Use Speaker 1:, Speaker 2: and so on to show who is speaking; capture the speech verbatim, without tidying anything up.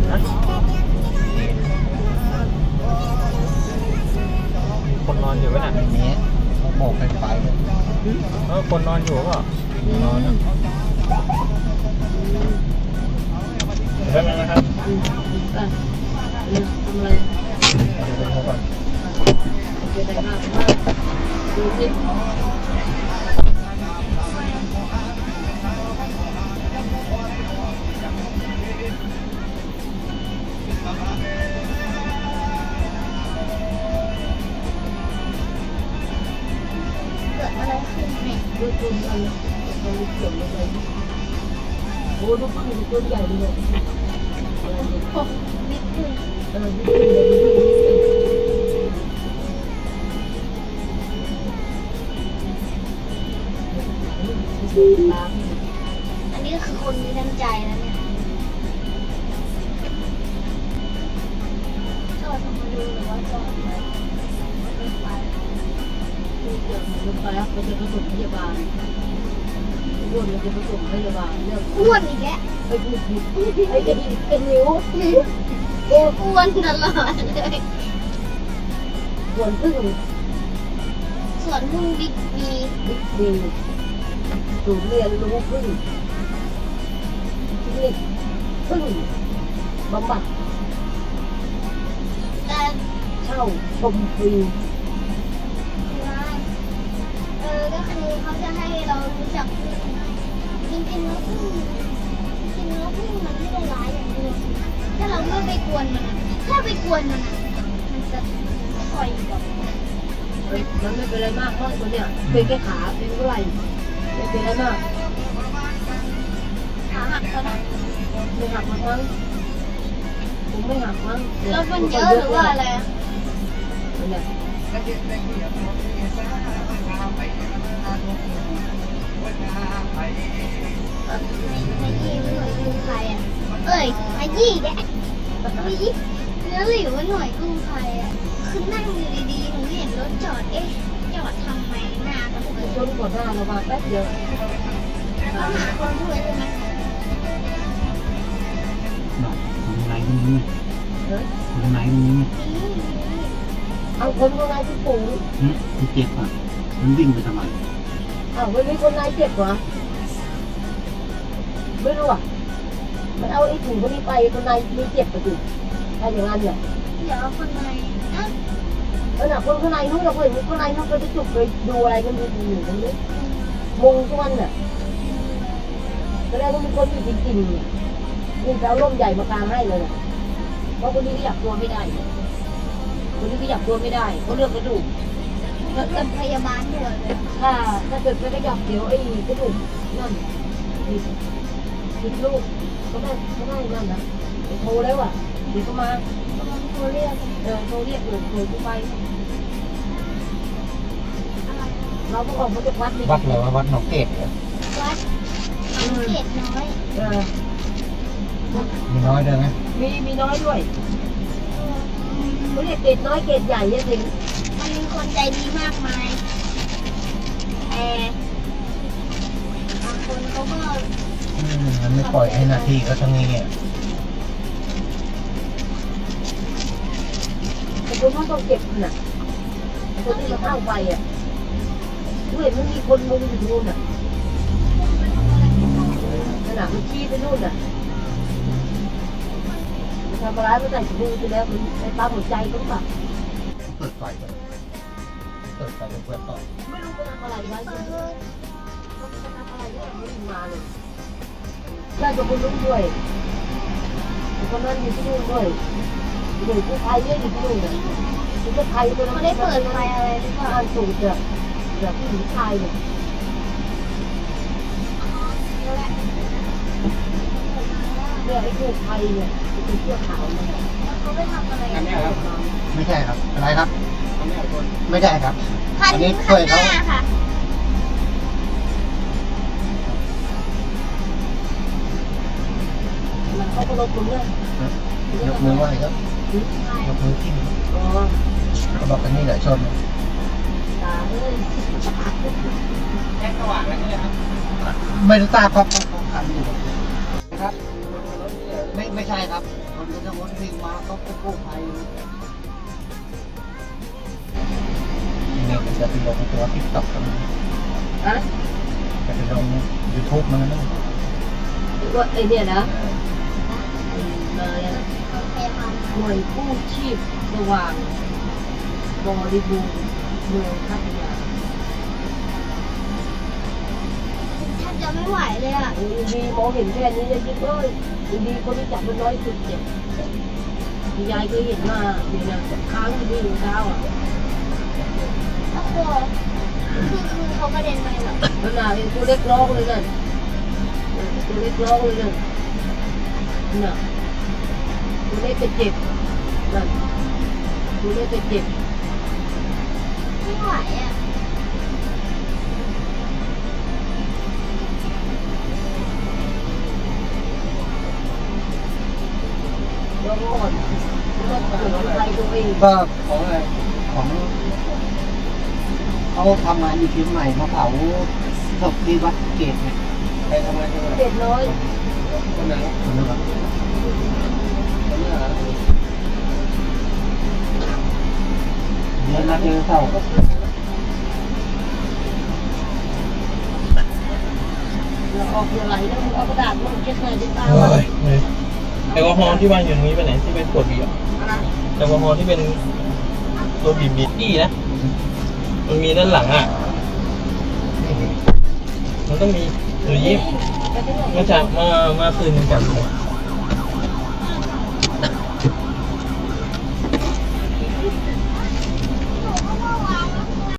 Speaker 1: คนนอนอยู่ไหมน่ะนี้เขาโบกไฟไฟเลยเออคนนอนอยู่ก็นอนนะเรื่องนั้นนะครับ
Speaker 2: ทำอะไรจะได้ห้าดูสิดูตัวมันมันเขียวเลยโอ้ดูฟังดูตัวใหญ่เลยอะไรเนี่ยโอ้นิดนึงเออนิดนึงเลยนิดนึง
Speaker 3: อันนี้คือคนมีน้ำใจแล้วเนี่ยจอดมาดูหรือว่าจอดไปไม่ไป
Speaker 2: ดูเกี่ยวกับรถไฟเขาจะผสมพยาบาลอ้วนมันจะผสมพยาบาลเรื่อง
Speaker 3: อ้วนอีกแล้ว
Speaker 2: ไปพูดผิดไอ้จะดีเป็นนิ้ว
Speaker 3: อ้วนตลอดเลย
Speaker 2: ส่วนพึ่ง
Speaker 3: สวนพึ่งบิ๊กบี
Speaker 2: บิ๊กบีศูนย์เรียนรู้พึ่งคลินิกพึ่งบำบัด
Speaker 3: แต่
Speaker 2: เช่าชมฟรี
Speaker 3: เออก็คือเขาจะให้เรารู้จักจริงๆแล้วพึ่งจริงๆแล้วพึ่งมันไม่ได้ร้ายอย่างเดียวถ้าเราไม่ไปกวนมันถ้าไปกวนมันมันจะคอยแบบ
Speaker 2: มันไม่เป็นไรมากเพราะตัวเนี้ยเป็นแค่ขาเป็นเท่าไหร่ไม่เป็นไรมาก
Speaker 3: ขาหักแล้วนะ
Speaker 2: ไม่หักมั้งผมไม่หักมั้ง
Speaker 3: แล้วมันเยอะหรือว่าอะไรอ่ะ
Speaker 2: เนี่ย
Speaker 3: ไม่ยี่ไม่หน่วยกู้ภัยอ่ะเอ้ยไม่ยี่แกไม่ยี่แล้วหลิวว่าหน่วยกู้ภัยอ่ะคือนั่งอยู่ดีๆหนูเห็นรถจอดเอ๊ะจอดทำไมหน้าตะกุก
Speaker 2: ชนก่อนหน้าเรามาแป๊บเดียว
Speaker 3: เราหาคนช่วยใช่ไหม
Speaker 1: หน่อยคนไหนคนนี้คนไหนคนนี้
Speaker 2: เอาคนคนไหนที่ปู่
Speaker 1: ที่เจ็บอ่ะมันวิ่งไปทำไม
Speaker 2: อ้าวไม่มีคนไหนเจ็บเหรอไม่รู้อ่ะมันเอาไอ้ถุงคนนี้ไปคนไหนมีเจ็บไปถึงถ้าอย่างนั้นเนี่ย
Speaker 3: เดี๋ยวคนไหนอ่ะ
Speaker 2: เออหนักคนข้างในนู้นเราเห็นคนในนู้นก็จะจุกไปดูอะไรกันดูอยู่ตรงนี้มงทุกวันเนี่ยก็ได้ก็มีคนอยู่จริงๆเนี่ยยิ่งจะเอาร่มใหญ่มากางให้เลยเพราะคนนี้ก็อยากตัวไม่ได้คนนี้ก็อยากตัวไม่ได้เขาเลือกกระดูก
Speaker 3: เป็นพยาบาลด้วยเลย
Speaker 2: ถ้าถ้าเกิดไม่ได้อยากเดี๋ยวไอ้กระดูกนั่นติดติดลูกก็ได้ก็ได้นั่นนะโทรแล้วอ่ะเดี๋ยวก็มา
Speaker 3: โทรเรียก
Speaker 2: เออโทรเรียกเลยโทรกูไปเราก็ออกมาจากวัด
Speaker 1: วัดเหรอวัดหนองเกศเหรอ
Speaker 3: วัดหนองเกศน้อย
Speaker 2: เออ
Speaker 1: มีน้อยด้วยไหม
Speaker 2: มีมีน้อยด้วยเขาเรียกเกศน้อยเกศใหญ่เนี่ยสิ
Speaker 3: มันมีคนใจดีมากมายแต่บางคนเขาก็
Speaker 1: มันไม่ปล่อยให้หน้าที่เขาทั้งนี้อ่ะ
Speaker 2: แต่คนเขาต้องเก็บน่ะคนที่มาเข้าไปอ่ะด้วยมันมีคนมุงอยู่นู่นอ่ะขนาดมันชี้ไปนู่นอ่ะมันทำอะไรมันใส่ถุงมือไปแล้วมันในตาหัวใจก็แบบ
Speaker 1: เปิดไฟไปเปิดไฟเปิดต่อ
Speaker 2: ไม่รู้จะทำอะไรไว้จะทำอะไรก็ไม่มาเลยญาติคนนู้นด้วยคนนั้นอยู่ที่นู่นด้วยเด็กผู้ชายเยอะอยู่ที่นู่นเลยคุณก็ไทยคนนั้น
Speaker 3: เขาได้เปิดไฟอะไรหรือเปล่า
Speaker 2: สูตรแบบแบบผู้หญิงชายเนี่ยเนี่ยไอ้ผู้ไทยเนี่ยเป็นเสื้อขาวเนี่ย
Speaker 3: เขาไปทำอะไร
Speaker 1: อันนี้ครับไม่ใช่ครับอะไรครับไม่ใช่ครับ
Speaker 3: คันนี้ข้างหน้าค่ะ
Speaker 2: เขาก็ลงตรงนี้
Speaker 1: ยกมือไหว้ครับยกมือขึ้นเขาบอกกันนี่แหละชน
Speaker 2: ตาเอ้ย
Speaker 1: แค่สว่างแล้วนี่ครับไม่รู้ตาครับครับอยู่ครับไม่ไม่ใช่ครับคนมันจะวนวิ่งมาก็จะกู้ภัยนี่มันจะไปลงตัวทิกต็อกกัน
Speaker 2: อะ
Speaker 1: จะไปลงยูทูบมันนะ
Speaker 2: ว่าไอเนี่ยนะมาแล้ว
Speaker 3: โอเคค่ะ
Speaker 2: หน่วยกู้ชีพสว่างบริบูรณ์เมืองพัทยา
Speaker 3: แทบจะไม่ไหวเลยอ่ะ
Speaker 2: อินดีมองเห็นแค่นี้เลยจิ๊บเอ้ยอินดีคนที่จับมันน้อยสุดเนี่ยที่ยายเคยเห็นมาเนี่ยนะค้างอยู่ที่หัวเท้าอ่ะ
Speaker 3: โอ้โหคือคือเขากระเด็นไปเหรอ
Speaker 2: มันน่ะเป็นตัวเล็กร้องเลยนั่นตัวเล็กร้องเลยนั่นน่ะตัวเล็กจะเจ็บนั่นตัวเล็กจะเจ็บ
Speaker 3: ไม่ไหวอ่ะ
Speaker 2: ร้องอ่อนร้องเกิดอะไรตัวเอง
Speaker 1: ก็ของอะไรของเขาทำงานอยู่เชียงใหม่มาเผาศพที่วัดเกตเนี่ยไปทำงานที่ไหน
Speaker 2: เจ็บน้อย
Speaker 1: คนไหนคนนี้ครับคนนี้เหรอเดือนละเจอเศร้า
Speaker 2: เราออกเรือไหลแล้วเอากระดาษมาเช็ดหน่อยดิตา
Speaker 4: โอ้ยแอลกอฮอล์ที่วางอยู่ตรงนี้ไปไหนที่เป็นขวดเบียร์
Speaker 2: อะไร
Speaker 4: แอลกอฮอล์ที่เป็นตัวบีบบีบี้นะ มันมีด้านหลังอ่ะ มันต้องมีหนูยิ้ม
Speaker 2: ไปที่ไหน
Speaker 4: เมื่อเช้ามามาคืนนึงกัน